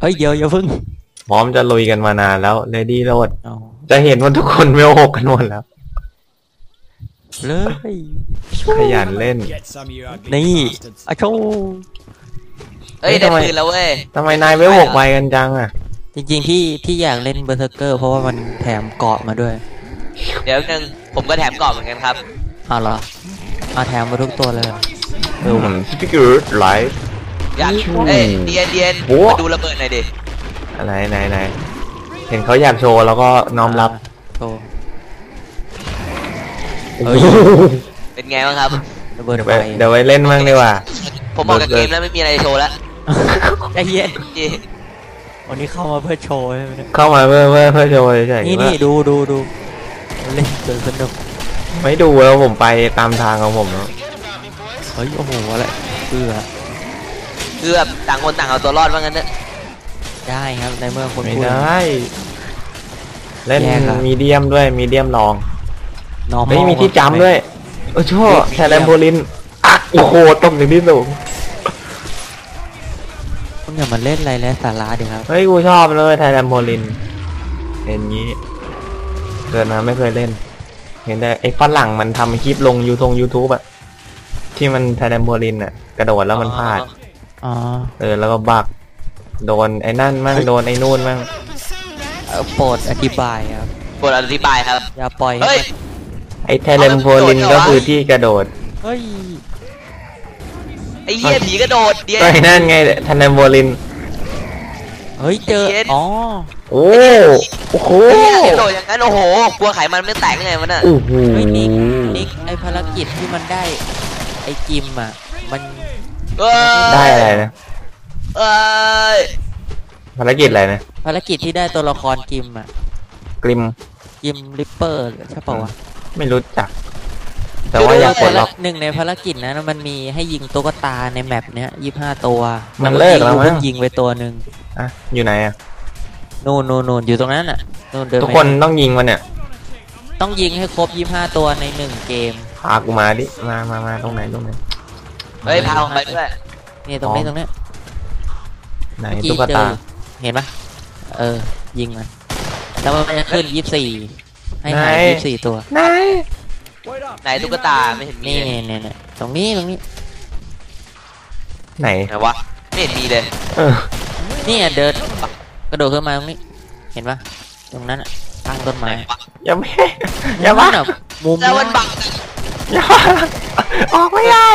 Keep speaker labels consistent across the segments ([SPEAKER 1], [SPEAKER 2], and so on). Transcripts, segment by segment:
[SPEAKER 1] ฮ้ยเดี๋ยวอย่าพึ่ง
[SPEAKER 2] พร้อมจะลุยกันมานานแล้วเลดี้โรด
[SPEAKER 1] เอา
[SPEAKER 2] จะเห็นว่าทุกคนเวล6กันหมดแล้ว
[SPEAKER 1] เลย
[SPEAKER 2] ขยันเล่น
[SPEAKER 1] นี่อะโช
[SPEAKER 3] เอ้ยได้ปืนแล้วเว้ย
[SPEAKER 2] ทำไมนายเวล6ไวกันจังอ่ะ
[SPEAKER 1] จริงๆที่อยากเล่นเบอร์เซอร์เกอร์เพราะว่ามันแถมเกาะมาด้วย
[SPEAKER 3] เดี๋ยวนึงผมก็แถมกรอบเหมือนกันครับ
[SPEAKER 1] อ้าวเหรอมาแถมมาทุกตัวเลย
[SPEAKER 2] สปิเกอร์ไลฟ์
[SPEAKER 3] อยากเอ้ยเดียน
[SPEAKER 2] โอ้
[SPEAKER 3] มาดูระเบิดหน่อยดิ
[SPEAKER 2] ไหนเห็นเขาอยากโชว์แล้วก็น้อมรับ
[SPEAKER 1] โชว์เฮ้ย
[SPEAKER 3] เป็นไงบ้างครับ
[SPEAKER 1] ระเบิด
[SPEAKER 2] เดี๋ยว
[SPEAKER 1] ไฟ
[SPEAKER 2] เดี๋ยวไปเล่นบ้างดีกว่า
[SPEAKER 3] ผมออกจากเกมแล้วไม่มีอะไรจะโชว์แล้ว
[SPEAKER 1] ใจเย็น
[SPEAKER 3] นี่
[SPEAKER 1] วันนี้เข้ามาเพื่อโชว์ใช่ไหมเนี่ย
[SPEAKER 2] เข้ามาเพื่อโชว์เฉยๆ
[SPEAKER 1] นี่
[SPEAKER 2] ว่า
[SPEAKER 1] ดูเล่นจนสนุก
[SPEAKER 2] ไม่ดูแล้วผมไปตามทางของผมแล้ว
[SPEAKER 1] เฮ้ยโอ้โหอะไรเพื่อ
[SPEAKER 3] คือแบบต่างคนต่างเอาตัวรอดว่างั้นเนอะ
[SPEAKER 1] ได้ครับในเมื่อคน
[SPEAKER 2] ไม่
[SPEAKER 1] พูด
[SPEAKER 2] ได้เล่น
[SPEAKER 1] แย่ครับ
[SPEAKER 2] มีเดียมด้วยมีเดียมลอง
[SPEAKER 1] น้อง
[SPEAKER 2] ไม่มีที่จำด้วยโอ้โชว์แทเลมโพลินอ่ะโอ้โหตกอย่างที่สูง
[SPEAKER 1] คุณอย่ามาเล่นอะไรแล้วสาระดีครับ
[SPEAKER 2] เฮ้ยกูชอบเลยไทยแลนด์โพลินเห็นงี้เกิดมาไม่เคยเล่น เห็นแต่ไอ้ฝรั่งมันทำคลิปลงYouTube อะที่มันไทยแลนด์โพลินอะกระโดดแล้วมันพลาด
[SPEAKER 1] อ๋อ
[SPEAKER 2] แล้วก็บักโดนไอ้นั่นมั่งโดนไอ้นู่นมั่ง
[SPEAKER 1] โปรดอธิบายครับ
[SPEAKER 3] บทอธิบายครับ
[SPEAKER 1] อย่าปล่อย
[SPEAKER 3] เฮ้ย
[SPEAKER 2] ไอ้ไทยแลนด์โพลินก็คือที่กระโดด
[SPEAKER 1] เฮ้ย
[SPEAKER 3] ไอ้เหี้ยผีกระโดดเดียน
[SPEAKER 2] ก็ไอ้นั่นไงไทยแลนด์โพลิน
[SPEAKER 1] เฮ้ยเจอ
[SPEAKER 3] เย็น
[SPEAKER 1] อ๋อ
[SPEAKER 2] โอ้โห
[SPEAKER 3] ไอ้เหี้ยกระโดดอย่างนั้นโอ้โหกลัวไขมันไม่แตกยังไงวะน่ะ
[SPEAKER 2] โอ้โห
[SPEAKER 1] เฮ้ยนิกไอภารกิจที่มันได้ไอจิมอ่ะมัน
[SPEAKER 3] เอ้ย
[SPEAKER 2] ได้อะไรนะ
[SPEAKER 3] เอ้ย
[SPEAKER 2] ภารกิจอะไรนะ
[SPEAKER 1] ภารกิจที่ได้ตัวละครจิมอ่ะ
[SPEAKER 2] กริม
[SPEAKER 1] จิมริปเปอร์ใช่ป่าวะ
[SPEAKER 2] ไม่รู้จัก แต่ว่าอยากกดล็อก
[SPEAKER 1] หนึ่งในภารกิจนะมันมีให้ยิงตุ๊กตาในแมปเนี้ย25 ตัว
[SPEAKER 2] มันเลิกแล้วมั้ง
[SPEAKER 1] เพิ่งยิงไปตัวหนึ่ง
[SPEAKER 2] อ่ะอยู่ไหนอะ
[SPEAKER 1] นู่นอยู่ตรงนั้นอ่ะนู่นเดิน
[SPEAKER 2] ทุก
[SPEAKER 1] ไป
[SPEAKER 2] คนต้องยิงมันเนี่ย
[SPEAKER 1] ต้องยิงให้ครบ25 ตัวใน1 เกม
[SPEAKER 2] พากูมาดิมาตรงไหน
[SPEAKER 3] เฮ้ยพาผมไปด้วย
[SPEAKER 1] นี่ตรงนี้ตรงนี้
[SPEAKER 2] ไหน
[SPEAKER 1] เมื่อกี้
[SPEAKER 2] ตุ๊ก
[SPEAKER 1] เจ
[SPEAKER 2] ตา
[SPEAKER 1] อเห็นปะยิงมันแล้วมันจะขึ้น24ให้หาย24 ตัว
[SPEAKER 2] ไหน
[SPEAKER 3] ไหนตุ๊กตาไม่เห็นมี
[SPEAKER 1] นี่
[SPEAKER 3] เลย
[SPEAKER 1] เนี่ยตรงนี้
[SPEAKER 2] ไหน
[SPEAKER 3] ไหนวะไม่เห็นมีเลย
[SPEAKER 2] เออ
[SPEAKER 1] นี่เดินกระโดดขึ้นมาตรงนี้เห็นปะตรงนั้นข้างต้นไม้
[SPEAKER 2] อย่าไม่อย่ามา
[SPEAKER 1] นั่นมุม
[SPEAKER 3] แล้วมันบัง
[SPEAKER 2] อย่าออกไม่ได้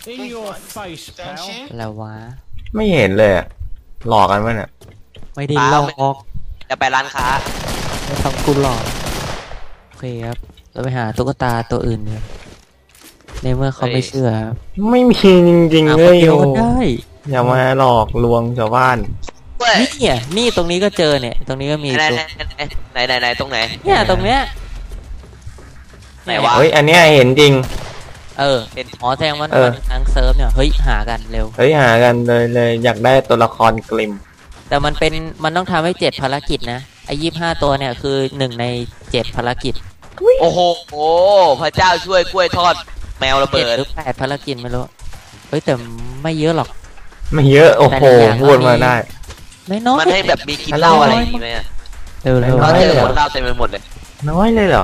[SPEAKER 1] แล้ววะ
[SPEAKER 2] ไม่เห็นเลยอะหลอกกันมั้ยเนี่ย
[SPEAKER 1] ไม่ได้ลอก
[SPEAKER 3] จะไปร้านค้า
[SPEAKER 1] ไม่ทำกูหลอกโอเคครับเราไปหาตุ๊กตาตัวอื่นเนี่ยในเมื่อเขาไม่เชื่อครับ
[SPEAKER 2] ไม่มีจริงๆ
[SPEAKER 1] หา
[SPEAKER 2] เล
[SPEAKER 1] คน
[SPEAKER 2] ย
[SPEAKER 1] เดียว
[SPEAKER 2] โอ้
[SPEAKER 1] ก็ได้
[SPEAKER 2] อย่ามาหลอกลวงชาวบ้าน
[SPEAKER 3] เว้ย
[SPEAKER 1] นี่ตรงนี้ก็เจอเนี่ย ตรงนี้ก็มี
[SPEAKER 3] ไหน
[SPEAKER 1] ตัว
[SPEAKER 3] ไหนตรงไหน
[SPEAKER 1] เนี่ยตรงเนี้ย
[SPEAKER 3] ไหนวะ
[SPEAKER 2] เฮ้ยอันเนี้ยเห็นจริง
[SPEAKER 1] เห็นอ๋อแสดงว่ามันทั้งเซิร์ฟเนี่ยเฮ้ยหากันเร็ว
[SPEAKER 2] เฮ้ยหากันเลยอยากได้ตัวละครกลิม
[SPEAKER 1] แต่มันต้องทำให้7 ภารกิจนะไอ้25 ตัวเนี่ยคือ1 ใน 7 ภารกิจ
[SPEAKER 3] โอ้โหพระเจ้าช่วยกล้วยทอดแมวระเบิ
[SPEAKER 1] 7
[SPEAKER 3] ด
[SPEAKER 1] หรือ8 ภารกิจไม่รู้เฮ้ยแต่ไม่เยอะหรอก
[SPEAKER 2] ไม่เยอะโอ้โห
[SPEAKER 1] แต่ละอย่าง
[SPEAKER 2] พูดมาได้
[SPEAKER 1] ไม่น้อย
[SPEAKER 3] มันให้แบบมีกินเหล้าอะไรอย่างงี้ไหมอะ
[SPEAKER 1] เร็ว
[SPEAKER 3] เราเจอ
[SPEAKER 2] ไม่
[SPEAKER 3] คนเหล้าเต็มไปหมดเลย
[SPEAKER 2] น้อยเลยเหรอ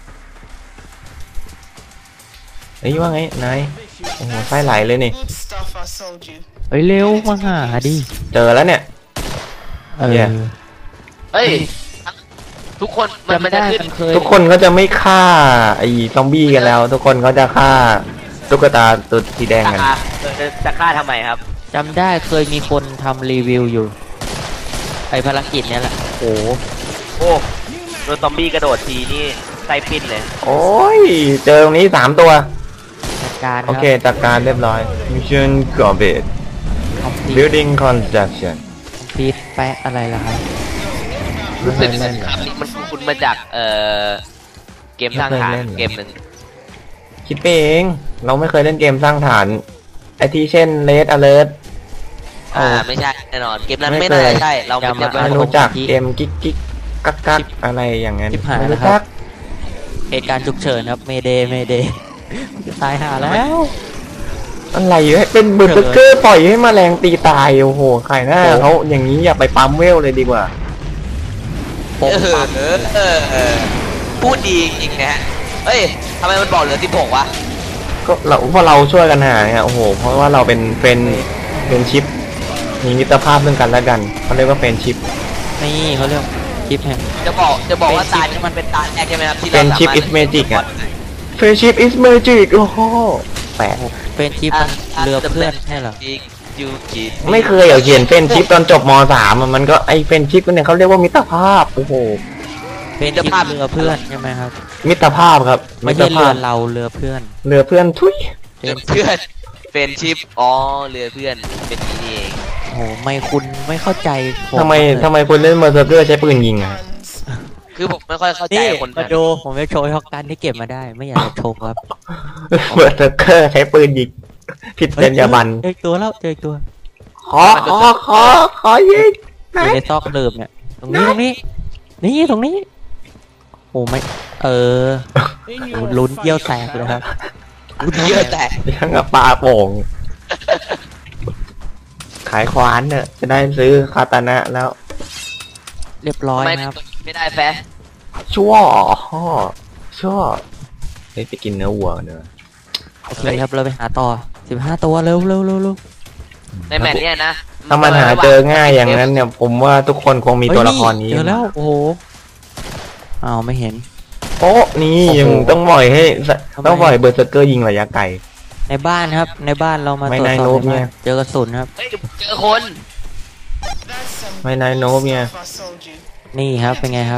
[SPEAKER 2] เฮ้ยว่าไงนายโอ้โหไส้ไหลเลยนี่
[SPEAKER 1] เฮ้ยเร็วมาหาดิ
[SPEAKER 2] เจอแล้วเนี่ย เนี่ย
[SPEAKER 3] เฮ้ยทุกคนมัน
[SPEAKER 1] จำ
[SPEAKER 3] จะ
[SPEAKER 1] ได้
[SPEAKER 3] ขึ้น
[SPEAKER 1] มันเคย
[SPEAKER 2] ทุกคนก็จะไม่ฆ่าไอ้ซอมบี้กันแล้ว ทุกคนก็จะฆ่าตุ๊กตาตัวสีแดงกัน
[SPEAKER 3] จะฆ่าทำไมครับ
[SPEAKER 1] จำได้เคยมีคนทำรีวิวอยู่ไอภารกิจเนี้ยแหละโอ้
[SPEAKER 3] โอ้โดนซอมบี้กระโดดทีนี่ไส้ปิ้นเลย
[SPEAKER 2] โอ้ยเจอตรงนี้3 ตัว
[SPEAKER 1] จัดการค
[SPEAKER 2] โอ
[SPEAKER 1] รับ
[SPEAKER 2] เคจัดการเรียบร้อย Mission complete
[SPEAKER 1] คอมพลีท
[SPEAKER 2] Building construction
[SPEAKER 1] แปะอะไรล่ะครับ
[SPEAKER 3] รู้สึก
[SPEAKER 2] ไม่เคยเล่นเหรอ
[SPEAKER 3] มันคุ้นมาจากเกมสร้างฐาน
[SPEAKER 2] ไม่เคยเล่นเหรอ
[SPEAKER 3] เกมหนึ่ง
[SPEAKER 2] คิดไปเองเราไม่เคยเล่นเกมสร้างฐานไอที่เช่น Red Alert
[SPEAKER 3] ไม่ใช่แน่นอนเกมนั้น
[SPEAKER 2] ไม่
[SPEAKER 3] ไม่
[SPEAKER 2] เคย
[SPEAKER 3] น่าจะใช่เราไม่
[SPEAKER 1] อย่า
[SPEAKER 3] เจ
[SPEAKER 1] มา
[SPEAKER 3] อ
[SPEAKER 2] ไม่รู้จักเกมกิ๊กกิ๊กกักกักอะไรอย่างนั้น
[SPEAKER 1] ชิบหาย
[SPEAKER 2] ไม่
[SPEAKER 1] แล้ว
[SPEAKER 2] รู้
[SPEAKER 1] ครั
[SPEAKER 2] จั
[SPEAKER 1] บ
[SPEAKER 2] ก
[SPEAKER 1] เหตุการณ์ฉุกเฉินครับเมเดย์ตายหาแล้ว
[SPEAKER 2] อะไรให้เป็นเบอร์เซอร์เกอร์ปล่อยให้แมลงตีตายโอ้โหใครหน้าเขาอย่างนี้อย่าไปปั๊มเวลเลยดีกว่า
[SPEAKER 3] พูดดีจริงๆนะฮะเอ้ยทำไมมันบอกเหลือ16วะ
[SPEAKER 2] ก็เราเพราะเราช่วยกันหาเนี่ยโอ้โหเพราะว่าเราเป็นชิปมีมิตรภาพเรื่องกันและกันเขาเรียกว่าเป็นชิป
[SPEAKER 1] นี่เขาเรียกคลิปแห่ง
[SPEAKER 3] จะบอกว่าตานี้มันเป็นตาแรกใช่ไหมครับที่เรา
[SPEAKER 2] เป็นชิป is magic อะ friendship is magic โอ้โหแปลก
[SPEAKER 1] เป็นคลิปมันเรือเพื่อนใช่เหรอ
[SPEAKER 3] ยูกิ
[SPEAKER 2] ไม่เคยเขียนเป็นชิปตอนจบม .3 อะมันก็ไอเป็นชิปเนี่ยเขาเรียกว่ามิตรภาพโอ้โห
[SPEAKER 1] เป็นคลิปเรือเพื่อนใช่ไหมครับ
[SPEAKER 2] มิตรภาพครับ
[SPEAKER 1] ไม่
[SPEAKER 2] มิต
[SPEAKER 1] ใช่
[SPEAKER 2] ร
[SPEAKER 1] เรื
[SPEAKER 2] ภา
[SPEAKER 1] อ
[SPEAKER 2] พ
[SPEAKER 1] เราเรือเพื่อน
[SPEAKER 2] เรือเพื่อนทุย
[SPEAKER 3] เรือเพื่อนเป็นชิปอ๋อเรือเพื่อนเป็นนี่เอง
[SPEAKER 1] โอ้โหไม่คุณไม่เข้าใจผม
[SPEAKER 2] ทำไมคุณเล่นเบอร์เซอร์เกอร์ใช้ปืนยิงอะ
[SPEAKER 3] คือผมไม่ค่อยเข้าใจ
[SPEAKER 1] นี่
[SPEAKER 3] คน
[SPEAKER 1] มาดูผมจะโชว์ช็อกกันที่เก็บมาได้ ไม่อยากจะโชว์ครับ
[SPEAKER 2] เบอร์เซอร์เกอร์ใช้ปืนยิงผิดจรรยาบรรณ
[SPEAKER 1] เจออีกตัวแล้วเจออีกตัว
[SPEAKER 2] ขอยิง
[SPEAKER 1] อยู่ในซอกเดิมเนี่ยตรงนี้นี่ตรงนี้โอ้ไม่โอ้ลุ้นเยี่ยวแตกเลยครับ
[SPEAKER 3] เยอะแต่
[SPEAKER 2] ยังกับปลาโป่ง ขายควานเนี่ยจะได้ซื้อคาตานะแล้ว
[SPEAKER 1] เรียบร้อย
[SPEAKER 3] ไม่
[SPEAKER 1] นะครับ
[SPEAKER 3] ไม่ได้แฟะ
[SPEAKER 2] ชั่วเฮ้ยไปกินเนื้อวัวกันเนอะ
[SPEAKER 1] โอเคครับเราไปหาต่อ15ตัวเร็ว
[SPEAKER 3] ในแมตช์เนี้ยนะ
[SPEAKER 2] ถ้ามันหาเจอง่ายอย่างนั้นเนี่ย ผมว่าทุกคนคงมีตัวละครนี้
[SPEAKER 1] เจอแล้วโอ้โหอ้าวไม่เห็น
[SPEAKER 2] โอ้นี่ยังต้องปล่อยให้
[SPEAKER 1] ทำไม
[SPEAKER 2] ต้องปล่อยเบอร์เซอร์เกอร์ยิงระยะไกล
[SPEAKER 1] ในบ้านครับในบ้านเรามา
[SPEAKER 2] ไม่
[SPEAKER 1] ตรวจ
[SPEAKER 2] นาย
[SPEAKER 1] สอบ
[SPEAKER 2] โน้ต
[SPEAKER 1] ใน
[SPEAKER 2] เนี่
[SPEAKER 1] บ้าย นเจอกระสุนครับ
[SPEAKER 3] เฮ้ยเจอคน
[SPEAKER 2] ไม่นายโนบเนี่ย
[SPEAKER 1] นี่ครับเป็นไงครับ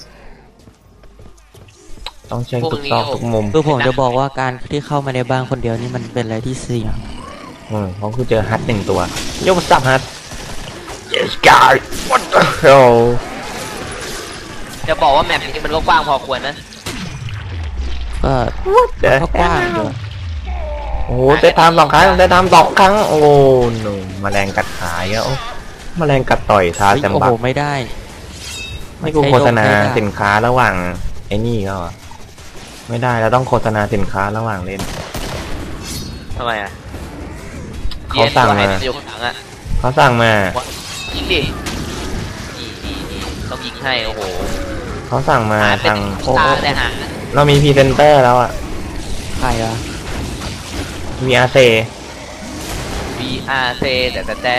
[SPEAKER 2] ต้องเช็คทุกซอกทุกมุม
[SPEAKER 1] คือผมจะบอกว่าการที่เข้ามาในบ้านคนเดียวนี่มันเป็นอะไรที่เสี่ยง
[SPEAKER 2] เพราะคือเจอฮัทหนึ่งตัวโยกสับฮัท yes guy what the hell
[SPEAKER 3] จะบอกว่าแมปนี้มันก็กว้างพอควรนะ
[SPEAKER 1] ก็
[SPEAKER 2] what the
[SPEAKER 1] ก็กว้างอยู่
[SPEAKER 2] โอ้โหได้ทำ2 ครั้งได้ทำ2 ครั้งโอ้หนูแมลงกัดขายอ่ะโอ้แมลงกัดต่อยทา
[SPEAKER 1] เฮ้ย
[SPEAKER 2] แซม
[SPEAKER 1] โอ้
[SPEAKER 2] บั
[SPEAKER 1] โห
[SPEAKER 2] ก
[SPEAKER 1] ไม่ได้
[SPEAKER 2] ไม่กูโฆษณาสินค้าระหว่างไอ้นี่ก็ไม่ได้แล้วต้องโฆษณาสินค้าระหว่างเล่น
[SPEAKER 3] ทำไมอ่ะ
[SPEAKER 2] เขาสั่งมา
[SPEAKER 3] เดี๋ยวคนหลังอ่ะ
[SPEAKER 2] เขาสั่งมา
[SPEAKER 3] ยิงดิต้องยิงให้โอ้โห
[SPEAKER 2] เขาสั่งมา
[SPEAKER 3] หาเป็น
[SPEAKER 2] ทางโอ้
[SPEAKER 3] ตาแต่หา
[SPEAKER 2] เรามีพรีเซนเตอร์แล้วอ่ะ
[SPEAKER 1] ใครอะ
[SPEAKER 2] VRC
[SPEAKER 3] VRC แต่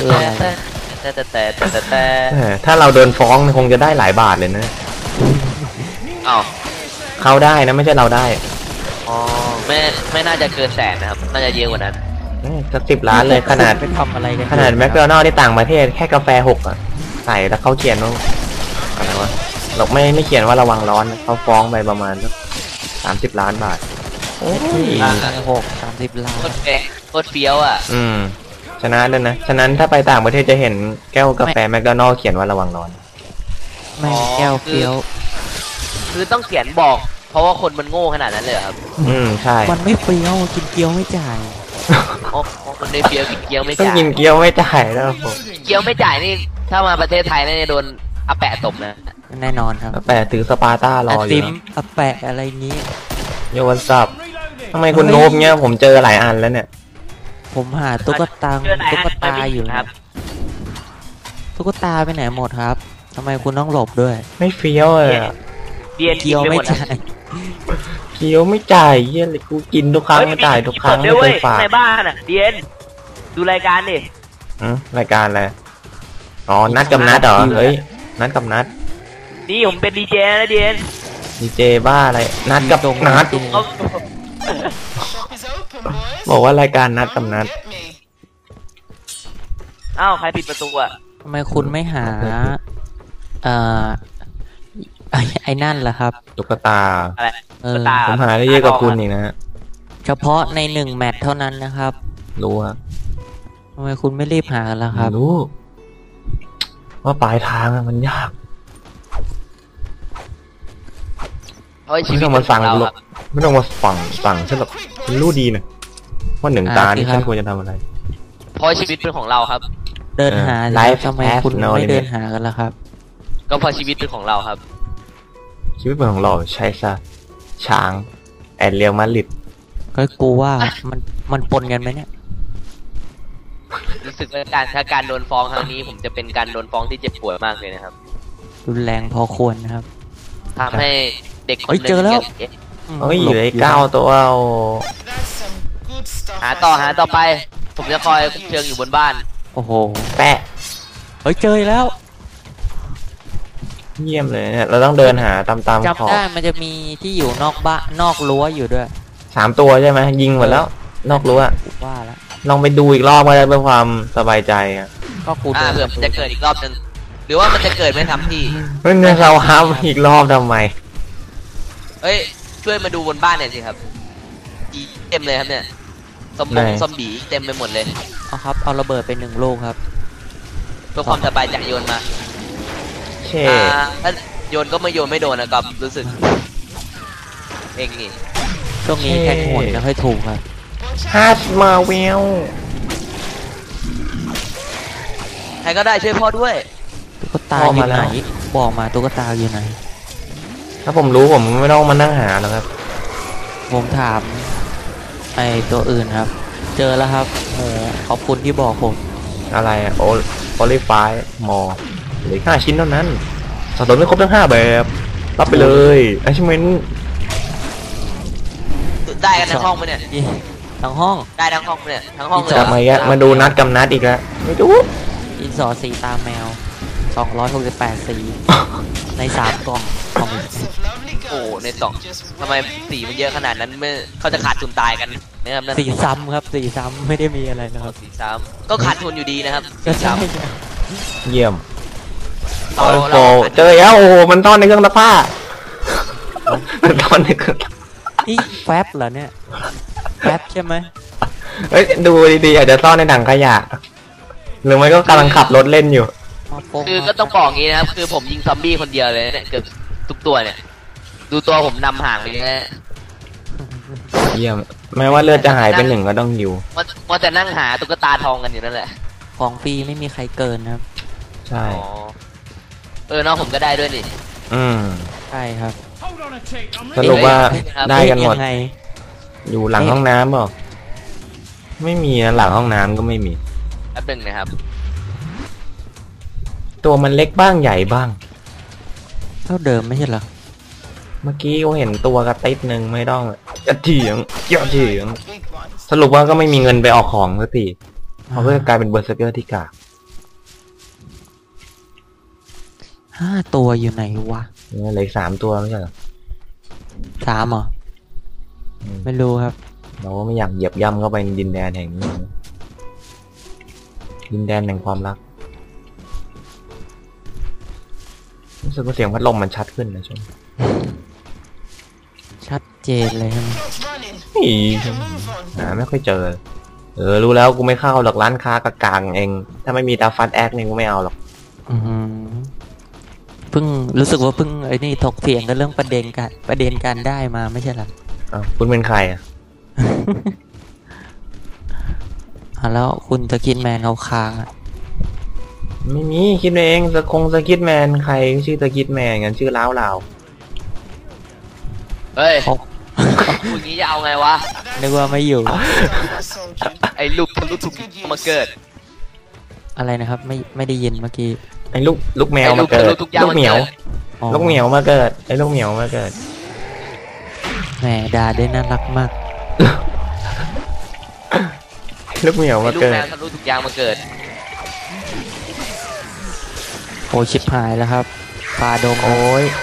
[SPEAKER 2] ถ้าเราโดนฟ้องคงจะได้หลายบาทเลยนะ
[SPEAKER 3] อ้าว
[SPEAKER 2] เขาได้นะไม่ใช่เราได้
[SPEAKER 3] อ๋อไม่น่าจะเกิน100,000นะครับน่าจะเยอะกว่านั้น
[SPEAKER 2] สัก10 ล้านเลยขนาด
[SPEAKER 1] ไปทำอะไรกัน
[SPEAKER 2] ขนาดแมคโดนัลด์ที่ต่างประเทศแค่กาแฟ6อ่ะใส่แล้วเขาเขียนว่าอะไรวะเราไม่เขียนว่าระวังร้อนเขาฟ้องไปประมาณสัก30 ล้านบาท
[SPEAKER 1] โอ้ย30 ล้าน
[SPEAKER 3] โคตรเฟี้ยวอ่ะ
[SPEAKER 2] ชนะเลยนะฉะนั้นถ้าไปต่างประเทศจะเห็นแก้วกาแฟแมคโดนัลด์เขียนว่าระวังร้อน
[SPEAKER 1] ไม่งแก้วเฟี้ยว
[SPEAKER 3] คือต้องเขียนบอก เพราะว่าคนมันโง่ขนาดนั้นเลยเหรอครับ
[SPEAKER 2] ใช่
[SPEAKER 1] มันไม่เฟี้ยวกินเกี๊ยวไม่จ่าย
[SPEAKER 3] อ๋อคนในเฟี้ยวกินเกี๊ยวไม่
[SPEAKER 2] ต้อง
[SPEAKER 3] จ่าย
[SPEAKER 2] กินเกี๊ยวไม่จ่ายแล้วผม
[SPEAKER 3] เกี๊ยวไม่จ่ายนี่ถ้ามาประเทศไทยน่าจะโดนอาแปะตบนะ
[SPEAKER 1] แน่นอนครับ
[SPEAKER 2] แต่ถือสปาร์ต้ารออ
[SPEAKER 1] ซิ
[SPEAKER 2] ยู่
[SPEAKER 1] มอะแปะอะไรนี้
[SPEAKER 2] โยวันซับทำไมคุณโนบเงี้ยผมเจอหลายอันแล้วเนี่ย
[SPEAKER 1] ผมหาตุ๊กตาอยู่นะครับ ตุ๊กตาไปไหนหมดครับทำไมคุณต้องหลบด้วย
[SPEAKER 2] ไม่เฟี้ยวเลยอะ
[SPEAKER 3] เบียน
[SPEAKER 1] เกี๊ยวไม่จ่าย
[SPEAKER 2] เกี๊ยวไม่จ่ายเยี่ยเลยกูกินทุกครั้งไม่จ่ายทุกครั้ง
[SPEAKER 3] ด้
[SPEAKER 2] ไม่
[SPEAKER 3] วย
[SPEAKER 2] เคยฝาก
[SPEAKER 3] ในบ้านอ่ะเดียนดูรายการดิ
[SPEAKER 2] รายการอะไรอ๋อนัดกับนัดเหรอเฮ้ยนัดกับนัด
[SPEAKER 3] นี่ผมเป็นดีเจนะเดียน
[SPEAKER 2] ดีเจบ้าอะไรนัดกับนัด
[SPEAKER 3] เอา
[SPEAKER 2] บอกว่ารายการนัดกับนัด
[SPEAKER 3] อ้าวใครปิดประตูอ่ะ
[SPEAKER 1] ทำไมคุณไม่หาเอ่อไอ้นั่นล่ะครับ
[SPEAKER 2] ตุ๊กตา
[SPEAKER 3] อะไร
[SPEAKER 1] ตา
[SPEAKER 2] ผมหาได้เยอะกว่าคุณอีกนะฮะ
[SPEAKER 1] เฉพาะใน1 แมตช์เท่านั้นนะครับ
[SPEAKER 2] รู้ครับ
[SPEAKER 1] ทำไมคุณไม่รีบหากันล่ะครับ
[SPEAKER 2] รู้ว่าปลายทางอะมันยาก
[SPEAKER 3] เฮ้ยชี
[SPEAKER 2] ไม่
[SPEAKER 3] วิต
[SPEAKER 2] ต้องมาสั่ง
[SPEAKER 3] เรา
[SPEAKER 2] หร
[SPEAKER 3] ค
[SPEAKER 2] อก
[SPEAKER 3] รับ
[SPEAKER 2] ไม่ต้องมาสั่งฉันหรอกฉันรู้ดีนะว่า1 ตานี่ฉันควรจะทำอะไร
[SPEAKER 3] เพราะชีวิตเป็นของเราครับ
[SPEAKER 1] เดินหา
[SPEAKER 2] ไลฟ์
[SPEAKER 1] ทำไมคุณ
[SPEAKER 2] no
[SPEAKER 1] ไม่
[SPEAKER 2] limit
[SPEAKER 1] เดินหากันล่ะครับ
[SPEAKER 3] ก็เพราะชีวิตเป็นของเราครับ
[SPEAKER 2] ชีวิตเป็นของเราใช่ซะช้างแอนเรียลมาดริด
[SPEAKER 1] ก็กูว่ามันปนกันไหมเนี่ย
[SPEAKER 3] รู้สึกว่าถ้าการโดนฟ้องครั้งนี้ ผมจะเป็นการโดนฟ้องที่เจ็บปวดมากเลยนะครับ
[SPEAKER 1] รุนแรงพอควรนะครับ
[SPEAKER 3] ทำให้เด็กคน
[SPEAKER 1] เฮ้ย
[SPEAKER 3] หนึ่ง
[SPEAKER 1] เจอแล้ว
[SPEAKER 2] เฮ้ยอยู่ไอ้9 ตัวเอา
[SPEAKER 3] หาต่อไป ผมจะคอยคุมเชิงอยู่บนบ้าน
[SPEAKER 1] โอ้โห
[SPEAKER 2] แปะ
[SPEAKER 1] เฮ้ยเจอแล้ว
[SPEAKER 2] เยี่ยมเลยเนี่ยเราต้องเดินหาตามขอ
[SPEAKER 1] จำ
[SPEAKER 2] บ
[SPEAKER 1] ได้มันจะมีที่อยู่นอกบ้านนอกรั้วอยู่ด้วย
[SPEAKER 2] 3 ตัวใช่ไหมยิงหมดแล้ว นอกรั้ว
[SPEAKER 1] กูว่าแล้ว
[SPEAKER 2] ลองไปดูอีกรอบก็ได้เพื่อความสบายใจอ่ะ
[SPEAKER 1] ก็กู
[SPEAKER 3] เผื่อมันจะเกิดอีกรอบนึงหรือว่ามันจะเกิดไม่ทำที่
[SPEAKER 2] เฮ้ยเนี่ยเราฮับอีกรอบทำไม
[SPEAKER 3] เฮ้ยช่วยมาดูบนบ้านหน่อยสิครับอีเต็มเลยครับเนี่ยซอมบี้เต็มไปหมดเลย
[SPEAKER 1] เอาครับเอาระเบิดไป1 ลูกครับ
[SPEAKER 3] เพื่อความสบายใจโยนมา
[SPEAKER 2] เช่
[SPEAKER 3] ถ้าโยนก็ไม่โยนไม่โดนนะครับรู้สึกเองนี่
[SPEAKER 1] ช่วงนี้แทงหวยไม่ค่อยถูกครับ
[SPEAKER 2] ฮาร์ดมาเวล
[SPEAKER 3] ใครก็ได้ช่วยพ่อด้วย
[SPEAKER 1] ตุ๊กตาอยู่ไหนบอกมาตุ๊กตาอยู่ไหน
[SPEAKER 2] ถ้าผมรู้ผมไม่ต้องมานั่งหาแล้วครับ
[SPEAKER 1] ผมถามไอตัวอื่นครับ เจอแล้วครับโหขอบคุณที่บอกผม
[SPEAKER 2] อะไรอะโอลิฟายมอเหลือ5 ชิ้นเท่านั้นสะสมไม่ครบทั้ง5 แบบรับไปเลยไอชิเมน
[SPEAKER 3] ได้กันทั้งห้องไหมเนี่ย
[SPEAKER 1] ทั้งห้อง ได้
[SPEAKER 3] ได้ทั้งห้องไหมเนี่ยทั้งห้องเลย
[SPEAKER 2] กลับมาอีกแล้วมาดูนัดกับนัดอีกแล้วไม่ดู
[SPEAKER 1] อินสอสีตาแมว268 สีใน3 กล่องของ
[SPEAKER 3] โอ้ในสองทำไมสีมันเยอะขนาดนั้นไม่เขาจะขาดทุนตายกันนะครับนั่น
[SPEAKER 1] สีซ้ำครับสีซ้ำไม่ได้มีอะไรนะครับ
[SPEAKER 3] สีซ้ำก็ขาดทุนอยู่ดีนะครับ
[SPEAKER 1] ก็
[SPEAKER 3] สี
[SPEAKER 1] ใช่
[SPEAKER 3] ซ้ำ
[SPEAKER 2] เยี่ยม
[SPEAKER 3] เรา
[SPEAKER 2] โอ้โห
[SPEAKER 3] เรา
[SPEAKER 2] เจอแล้วโอ้โหมันต้อนในเครื่องซักผ้ามันต้อนในเครื่อง
[SPEAKER 1] นี่แฟบเหรอเนี่ยแฟบใช่ไหม
[SPEAKER 2] เฮ้ยดูดีๆอาจจะซ่อนในถังขยะหรือไม่ก็กำลังขับรถเล่นอยู่
[SPEAKER 1] มาโป้ง
[SPEAKER 3] คือก็ต้องบอกงี้นะครับคือผมยิงซอมบี้คนเดียวเลยเนี่ยเกือบทุกตัวเนี่ย ดูตัวผมนำห่างไปเลยนะ
[SPEAKER 2] เยี่ยมแม้ว่าเลือดจะหายไป1ก็ต้องอยู่
[SPEAKER 3] ว่าจะนั่งหาตุ๊กตาทองกันอยู่นั่นแหละ
[SPEAKER 1] ของฟรีไม่มีใครเกินนะครับ
[SPEAKER 2] ใช่
[SPEAKER 3] อ๋อน้องผมก็ได้ด้วยนี่
[SPEAKER 2] อืม
[SPEAKER 1] ใช่ครับ
[SPEAKER 2] สรุปว่า
[SPEAKER 3] เอ๊ะ
[SPEAKER 2] ได้กันหมด
[SPEAKER 1] ยังไง
[SPEAKER 2] อยู่หลังห้องน้ำเปล่าไม่มีนะหลังห้องน้ำก็ไม่มี
[SPEAKER 3] แป๊บนึงนะครับ
[SPEAKER 2] ตัวมันเล็กบ้างใหญ่บ้าง
[SPEAKER 1] เท่าเดิมไม่ใช่เหรอ
[SPEAKER 2] เมื่อกี้เขาเห็นตัวกระติดหนึ่งไม่ต้องจะเถียงสรุปว่าก็ไม่มีเงินไปออกของสักทีเขาก็กลายเป็นเบอร์เซอร์เกอร์ที่กาก
[SPEAKER 1] 5 ตัวอยู่ไหนวะ
[SPEAKER 2] เนี่ยเหลืออีก3 ตัวไม่ใช่เหรอ
[SPEAKER 1] 3เหรอ
[SPEAKER 2] อืม
[SPEAKER 1] ไม่รู้ครับ
[SPEAKER 2] เราก็ไม่อยากเหยียบย่ำเข้าไปในดินแดนแห่งนี้ดินแดนแห่งความรักรู้สึกว่าเสียงพัดลมมันชัดขึ้นนะช่วง
[SPEAKER 1] ชัดเจนเลยใช่ไหม
[SPEAKER 2] อีหาไม่ค่อยเจอรู้แล้วกูไม่เข้าหรอกร้านค้ากลางๆเอง ถ้าไม่มีตาฟัดแอคเนี่ยกูไม่เอาหรอก
[SPEAKER 1] อือหือเพิ่งรู้สึกว่าเพิ่งไอ้นี่ถกเถียงกันเรื่องประเด็นการได้มาไม่ใช่เหรอ
[SPEAKER 2] อ้าวคุณเป็นใครอ่ะ
[SPEAKER 1] แล้วคุณสกินแมนเขาค้างอ่ะ
[SPEAKER 2] ไม่มีคิดเองสกิทแมนใครชื่อสกิทแมนกันชื่อล้าวลาว
[SPEAKER 3] เฮ้ย
[SPEAKER 1] เขา
[SPEAKER 3] พูดงี้จะเอาไงวะ
[SPEAKER 1] นึกว่าไม่อยู่
[SPEAKER 3] ไอ้ลูกถูกมาเกิด
[SPEAKER 1] อะไรนะครับ ไม่ได้ยินเมื่อกี้
[SPEAKER 2] ไอ้ลูกแมวมาเกิด
[SPEAKER 3] ลูกยาง
[SPEAKER 2] ลูกเหมียว
[SPEAKER 1] อ๋อ
[SPEAKER 2] ลูกเหมียวมาเกิดไอ้ลูกเหมียวมาเกิด
[SPEAKER 1] แหมด่าได้น่ารักมาก
[SPEAKER 2] ลูกเหมียว
[SPEAKER 3] ไอ้
[SPEAKER 2] มา
[SPEAKER 3] ลูก
[SPEAKER 2] เกิ
[SPEAKER 3] แม
[SPEAKER 2] ด
[SPEAKER 3] วทะลุถูกยางมาเกิด
[SPEAKER 1] โอ้ชิบหายแล้วครับฟาดง
[SPEAKER 2] โอ้ย